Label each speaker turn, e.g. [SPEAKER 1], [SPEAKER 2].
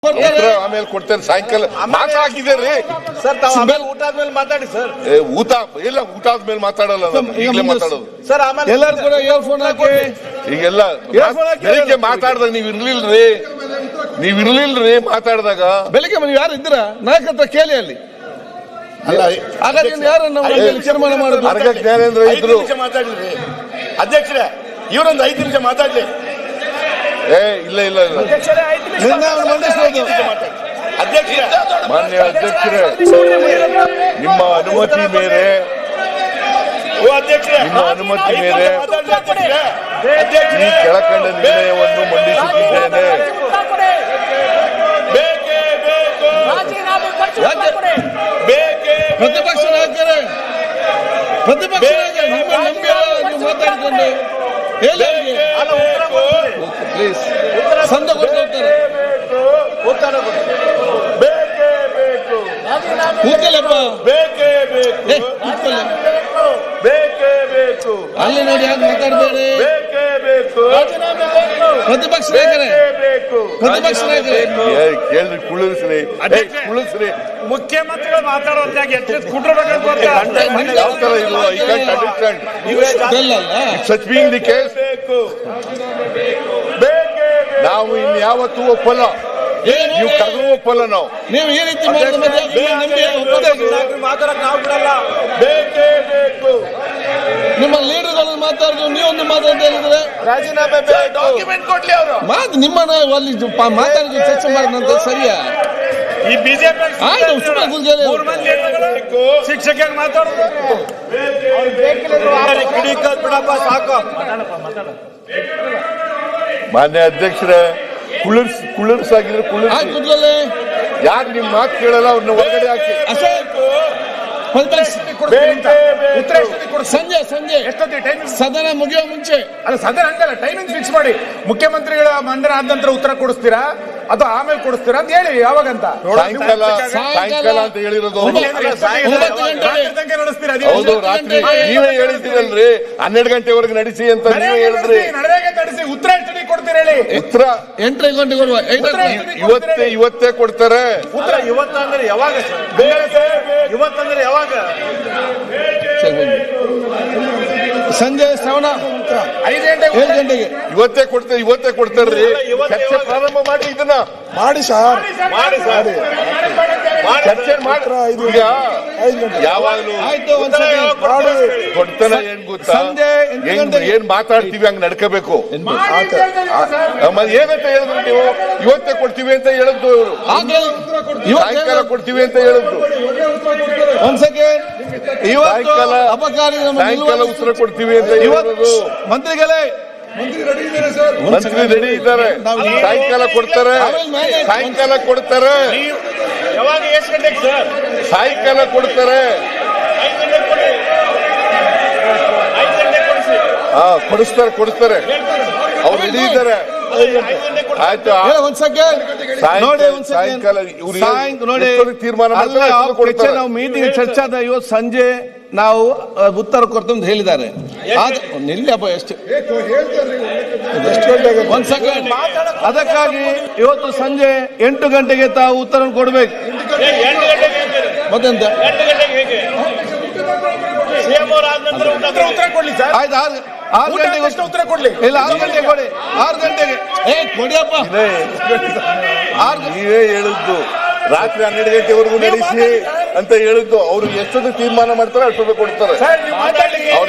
[SPEAKER 1] ಆಮೇಲೆ ಕೊಡ್ತೇನೆ ಸಾಯಂಕಾಲ ಮಾತಾಡಿದ್ದೀರಿ
[SPEAKER 2] ಸರ್. ಊಟ ಆದ್ಮೇಲೆ ಮಾತಾಡಿ ಸರ್.
[SPEAKER 1] ಊಟ ಇಲ್ಲ, ಊಟ ಆದ್ಮೇಲೆ ಮಾತಾಡಲ್ಲ, ಈಗಲೇ ಮಾತಾಡೋದು
[SPEAKER 2] ಸರ್. ಆಮೇಲೆ
[SPEAKER 3] ಎಲ್ಲರೂ ಕೂಡ ಇಯರ್ಫೋನ್ ಹಾಕಿ
[SPEAKER 1] ಈಗೆಲ್ಲ ಬೆಳಿಗ್ಗೆ ಮಾತಾಡ್ದಾಗ ನೀವ್ ಇರ್ಲಿಲ್ರಿ ಮಾತಾಡಿದಾಗ.
[SPEAKER 3] ಬೆಳಿಗ್ಗೆ ನೀವು ಯಾರು ಇದ್ರ ನಾಯಕ ಹತ್ರ ಕೇಳಿ ಅಲ್ಲಿ. ಹಾಗಾದ್ರೆ ಯಾರನ್ನ ತೀರ್ಮಾನ ಮಾಡುದು?
[SPEAKER 1] ಅರ್ಗ ಜ್ಞಾನೇಂದ್ರ ಇದ್ರು.
[SPEAKER 2] ಮಾತಾಡಿದ್ರಿ ಅಧ್ಯಕ್ಷರೇ, ಇವರೊಂದು 5 ನಿಮಿಷ ಮಾತಾಡ್ಲಿ.
[SPEAKER 1] ಇಲ್ಲ ಇಲ್ಲ ಇಲ್ಲ, ಮಾನ್ಯ ಅಧ್ಯಕ್ಷರೇ, ನಿಮ್ಮ ಅನುಮತಿ ಮೇರೆ ಈ ಕೆಳಕಂಡ ನಿರ್ಣಯವನ್ನು ಮಂಡಿಸುತ್ತಿದ್ದೇನೆ.
[SPEAKER 3] ಪ್ರತಿಪಕ್ಷ ನಾಯಕರೇ, ಮಾತಾಡಿಕೊಂಡು ಪ್ಲೀಸ್ ಸಂದ ಕೊಡ್ತಾರೆ. ಕೂತಲ್ಲಪ್ಪ, ಅಲ್ಲಿ ನೋಡಿ ಯಾಕೆ ಮಾತಾಡಬೇಡಿ. ಪ್ರತಿಪಕ್ಷ ನಾಯಕರೇ, ಪ್ರತಿಪಕ್ಷ ನಾಯಕರೇ
[SPEAKER 1] ಕೇಳ್ರಿ, ಕುಳಿಸ್ರಿ.
[SPEAKER 2] ಮುಖ್ಯಮಂತ್ರಿಗಳು ಮಾತಾಡುವಂತಾಗ
[SPEAKER 1] ಸಚ್ ಬೀಂಗ್ ದಿ ಕೇಸ್ ನಾವು ಇನ್ಯಾವತ್ತೂ ಒಪ್ಪಲ್ಲ, ನೀವು ಕರೆದು ಒಪ್ಪಲ್ಲ. ನಾವು
[SPEAKER 3] ನೀವು ಈ ರೀತಿ
[SPEAKER 2] ಮಾತಾಡಕ್ ನಾವು ಬಿಡಲ್ಲ. ಬೇಕೇ ಬೇಕು.
[SPEAKER 3] ನಿಮ್ಮ ಲೀಡರ್ಗಳನ್ನು ಮಾತಾಡಿದ್ರು, ನೀವೊಂದು ಮಾತಾಡ್ತಾ ಹೇಳಿದ್ರೆ
[SPEAKER 2] ರಾಜೀನಾಮೆ ಡಾಕ್ಯುಮೆಂಟ್ ಕೊಡ್ಲಿ ಅವರು.
[SPEAKER 3] ಮಾತು ನಿಮ್ಮನ್ನ ಅಲ್ಲಿ ಮಾತಾಡಿದ್ರು, ಚರ್ಚೆ ಮಾಡಿದಂತ ಸರಿಯಾ?
[SPEAKER 2] ಈ ಬಿಜೆಪಿ ಶಿಕ್ಷಕರಿಗೆ ಮಾತಾಡೋದು ಬಿಡಪ್ಪ, ಸಾಕು.
[SPEAKER 1] ಮಾನ್ಯ ಅಧ್ಯಕ್ಷರೇ, ಕುಳ್ಳರ್ಸಾಗಿದ್ರೆ ಕುಳ್ಳರ್ಸಿ. ಯಾರು ನಿಮ್ ಮಾತು ಕೇಳಲ್ಲ ಅವ್ರನ್ನ ಹೊರಗಡೆ ಹಾಕಿ.
[SPEAKER 3] ಸಂಜೆ ಸದನ ಮುಗಿಯೋ ಮುಂಚೆ
[SPEAKER 2] ಅಲ್ಲ, ಸದನ ಹಂಗಲ್ಲ, ಟೈಮಿಂಗ್ ಫಿಕ್ಸ್ ಮಾಡಿ. ಮುಖ್ಯಮಂತ್ರಿಗಳ ಮಂಡನೆ ಆದ ನಂತರ ಉತ್ತರ ಕೊಡಿಸ್ತೀರಾ ಅಥವಾ ಆಮೇಲೆ ಕೊಡಿಸ್ತೀರಾ ಅಂತ ಹೇಳಿ. ಯಾವಾಗಂತ
[SPEAKER 1] ಸಾಯಂಕಾಲ ಅಂತ ಹೇಳಿರೋದು.
[SPEAKER 2] ನಡೆಸ್ತೀರಾ?
[SPEAKER 1] ಹೌದು, ರಾತ್ರಿ ನೀವೇ ಹೇಳಿದ್ದೀರಲ್ರಿ 12 ಗಂಟೆವರೆಗೆ ನಡೆಸಿ ಅಂತ ನೀವೇ ಹೇಳಿದ್ರಿ.
[SPEAKER 2] ನಡೆಸಿ ಉತ್ತರ ಎಷ್ಟು ಕೊಡ್ತೀರಿ ಹೇಳಿ?
[SPEAKER 1] ಉತ್ತರ
[SPEAKER 3] 8 ಗಂಟೆಗೆ ಕೊಡುವ.
[SPEAKER 1] ಇವತ್ತೇ ಕೊಡ್ತಾರೆ.
[SPEAKER 2] ಉತ್ತರ ಇವತ್ತಂದ್ರೆ ಯಾವಾಗ? ಇವತ್ತಂದ್ರೆ ಯಾವಾಗ?
[SPEAKER 3] ಸಂಜೆ ಶ್ರವಣ
[SPEAKER 2] 5 ಗಂಟೆಗೆ
[SPEAKER 3] 7 ಗಂಟೆಗೆ
[SPEAKER 1] ಇವತ್ತೇ ಕೊಡ್ತಾರ್ರಿ. ಚರ್ಚೆ ಪ್ರಾರಂಭ ಮಾಡಿ, ಇದನ್ನ
[SPEAKER 4] ಮಾಡಿ ಸರ್,
[SPEAKER 1] ಚರ್ಚೆ ಮಾಡಿ. ಈಗ ಯಾವಾಗ್ಲೂ ಕೊಡ್ತಾನ ಏನ್ ಗೊತ್ತಾ, ಏನ್ ಮಾತಾಡ್ತೀವಿ ಹಂಗ್ ನಡ್ಕೋಬೇಕು. ಏನಂತ ಹೇಳಿದ್ರು ನೀವು? ಇವತ್ತೇ ಕೊಡ್ತೀವಿ ಅಂತ ಹೇಳಿದ್ದು ಇವರು, ಸಾಯಂಕಾಲ ಕೊಡ್ತೀವಿ ಅಂತ ಹೇಳಿದ್ದು. ಸಾಯಂಕಾಲ ಉತ್ತರ ಕೊಡ್ತೀವಿ ಅಂತ ಹೇಳಿರೋದು.
[SPEAKER 3] ಮಂತ್ರಿಗಳೇ,
[SPEAKER 1] ಮಂತ್ರಿ ರೆಡಿ ಇದ್ದಾರೆ, ಸಾಯಂಕಾಲ ಕೊಡ್ತಾರೆ.
[SPEAKER 2] ಯಾವಾಗ? ಎಷ್ಟು ಗಂಟೆಗೆ ಸರ್?
[SPEAKER 1] ಸಾಯಂಕಾಲ ಕೊಡ್ತಾರೆ. ಕೊಡಿಸ್ತಾರೆ. ಅವ್ರು ರೆಡಿ ಇದ್ದಾರೆ. ಆಯ್ತು, ಸಾಯಂಕಾಲ ತೀರ್ಮಾನ
[SPEAKER 3] ನಾವು ಮೀಟಿಂಗ್ ಚರ್ಚೆ ಆದ. ಇವತ್ತು ಸಂಜೆ ನಾವು ಉತ್ತರ ಕೊಡ್ತೇವೆ ಅಂತ ಹೇಳಿದ್ದಾರೆ. ನಿಲ್ಲಪ್ಪ, ಎಷ್ಟು ಒಂದ್ ಸೆಕೆಂಡ್. ಅದಕ್ಕಾಗಿ ಇವತ್ತು ಸಂಜೆ 8 ಗಂಟೆಗೆ ತಾವು ಉತ್ತರ ಕೊಡ್ಬೇಕು. ಮತ್ತೆಂತ
[SPEAKER 2] ಉತ್ತರ ಕೊಡ್ಲಿ ಸರ್.
[SPEAKER 3] ಆಯ್ತು, 6 ಗಂಟೆಗೆ
[SPEAKER 2] ಉತ್ತರ ಕೊಡ್ಲಿ.
[SPEAKER 3] ಇಲ್ಲ, 6 ಗಂಟೆಗೆ ಕೊಡಿ. 6 ಗಂಟೆಗೆ ಕೊಡಿಯಪ್ಪ.
[SPEAKER 1] ನೀವೇ ಹೇಳಿದ್ದು ರಾತ್ರಿ 12 ಗಂಟೆವರೆಗೂ ನಡೆಸಿ ಅಂತ ಹೇಳಿದ್ದು. ಅವ್ರು ಎಷ್ಟೊಂದು ತೀರ್ಮಾನ ಮಾಡ್ತಾರೆ ಅಷ್ಟೊಂದು ಕೊಡ್ತಾರೆ.